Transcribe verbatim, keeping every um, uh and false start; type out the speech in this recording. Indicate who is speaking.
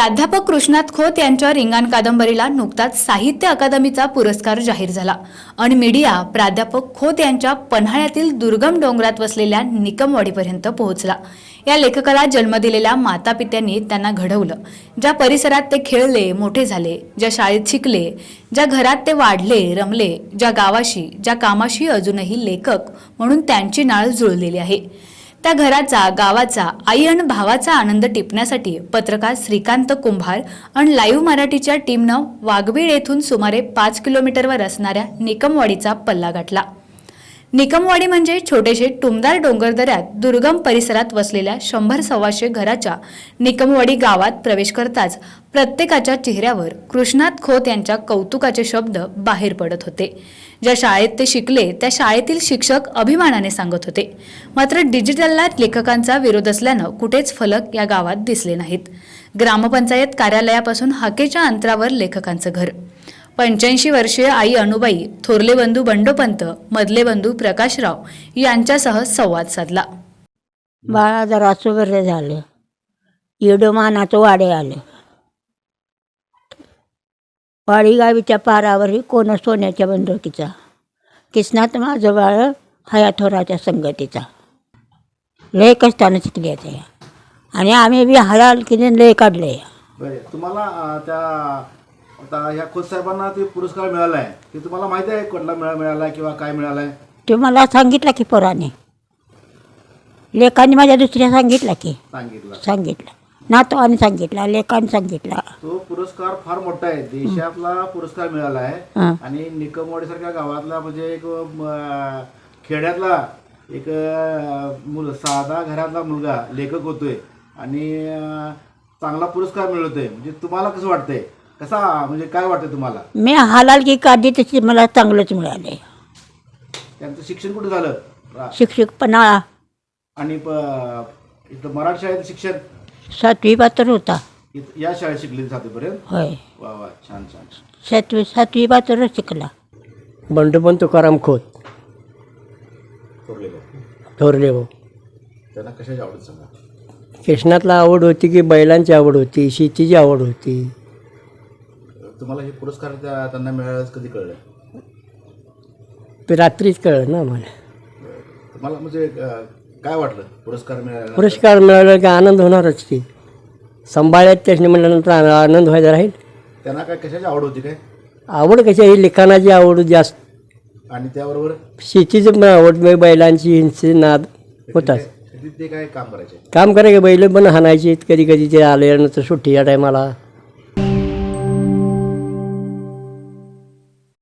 Speaker 1: प्राध्यापक कृष्णात खोत यांच्या रिंगाण कादंबरीला नुकताच साहित्य अकादमीचा पुरस्कार जाहीर झाला आणि मीडिया प्राध्यापक खोत यांच्या पन्हाळ्यातील दुर्गम डोंगरात वसलेल्या निकमवाडीपर्यंत पोहोचला। या लेखकाला जन्म दिलेल्या मातापित्यांनी त्यांना घडवलं। ज्या परिसरात ते खेळले, मोठे झाले, ज्या शाळेत शिकले, ज्या घरात ते वाढले, रमले, ज्या गावाशी, ज्या कामाशी अजूनही लेखक म्हणून त्यांची नाळ जुळलेली आहे, त्या घराचा, गावाचा, आई आणि भावाचा आनंद टिपण्यासाठी पत्रकार श्रीकांत कुंभार आणि लाईव्ह मराठीच्या टीमनं वाघबीळ येथून सुमारे पाच किलोमीटरवर असणाऱ्या निकमवाडीचा पल्ला गाठला। निकमवाडी म्हणजे छोटेशे टुमदार डोंगरदऱ्यात दुर्गम परिसरात वसलेल्या शंभर सव्वाशे घराच्या निकमवाडी गावात प्रवेश करताच प्रत्येकाच्या चेहऱ्यावर कृष्णात खोत यांच्या कौतुकाचे शब्द बाहेर पडत होते। ज्या शाळेत ते शिकले त्या शाळेतील शिक्षक अभिमानाने सांगत होते। मात्र डिजिटलला लेखकांचा विरोध असल्यानं कुठेच फलक या गावात दिसले नाहीत। ग्रामपंचायत कार्यालयापासून हाकेच्या अंतरावर लेखकांचं घर। पंच्याऐंशी वर्षीय आई अनुबाई, थोरले बंधू बंडोपंत, मधले बंधू प्रकाशराव यांच्यासह संवाद साधला।
Speaker 2: बाळा जरा बरे झालं, येडोमानाचं वाडे आलं। वाडी गावीच्या पारावरही कोण सोन्याच्या बंदुकीचा, किसनात माझं बाळ हयाथोराच्या संगतीचा। लय कष्टानं शिकले ते आणि आम्ही बी हयाल की लय काढले।
Speaker 3: बरे तुम्हाला अं, त्या आता ह्या खोत साहेबांना ते पुरस्कार मिळाला आहे ते तुम्हाला माहिती आहे कुठला मिळा मिळाला आहे किंवा काय मिळाला आहे?
Speaker 2: ते मला सांगितलं की पोराने, लेखांनी माझ्या दुसऱ्या सांगितलं की
Speaker 3: सांगितलं
Speaker 2: सांगितलं नातवाने सांगितलं, लेखाने सांगितलं।
Speaker 3: तो पुरस्कार फार मोठा आहे, देशातला पुरस्कार मिळाला आहे
Speaker 2: हां
Speaker 3: आणि निकमवाडी सारख्या गावातला म्हणजे एक अं, खेड्यातला एक अं, मुल साधा घरातला मुलगा लेखक होतोय आणि अं, चांगला पुरस्कार मिळवतोय म्हणजे तुम्हाला कसं वाटतंय? कसा म्हणजे काय वाटतं तुम्हाला?
Speaker 2: मी हालाल की काढली तशी मला चांगलंच मिळाले।
Speaker 3: त्यांचं शिक्षण कुठे झालं?
Speaker 2: शिक्षक पन्हाळा
Speaker 3: आणि प- इथं मराठी शाळेत शिक्षण
Speaker 2: सातवी पात्र होता।
Speaker 3: इथं या शाळेत शिकले सातवीपर्यंत?
Speaker 2: होय,
Speaker 3: वा वा, छान छान।
Speaker 2: सातवी सातवी पात्र शिकला।
Speaker 4: बंडोपंत तुकाराम खोत
Speaker 3: थोरले
Speaker 4: थोरले भाऊ।
Speaker 3: त्यांना कशाची आवडत सांगा?
Speaker 4: कृष्णातला आवड होती की बैलांची आवड होती, शेतीची आवड होती।
Speaker 3: तुम्हाला हे पुरस्कार त्या त्यांना मिळालं कधी कळलं?
Speaker 4: ते रात्रीच कळलं ना मला।
Speaker 3: तुम्हाला म्हणजे अं, काय वाटलं पुरस्कार मिळाला?
Speaker 4: पुरस्कार मिळाला की आनंद होणारच की, सांभाळ्यात त्याने म्हणल्यानंतर आ- आनंद व्हायचा राहील।
Speaker 3: त्यांना काय कशाची आवड होती काय?
Speaker 4: आवड कशी आहे, लिखाणाची आवड जास्त,
Speaker 3: आणि त्याबरोबर
Speaker 4: शेतीची पण आवड, म्हणजे बैलांची हिंसी नाद होताच।
Speaker 3: शेतीत ते काय काम करायचे?
Speaker 4: काम करायचं, बैल पण हाणायचे कधी कधी ते आल्यानंतर सुट्टीच्या टायमाला।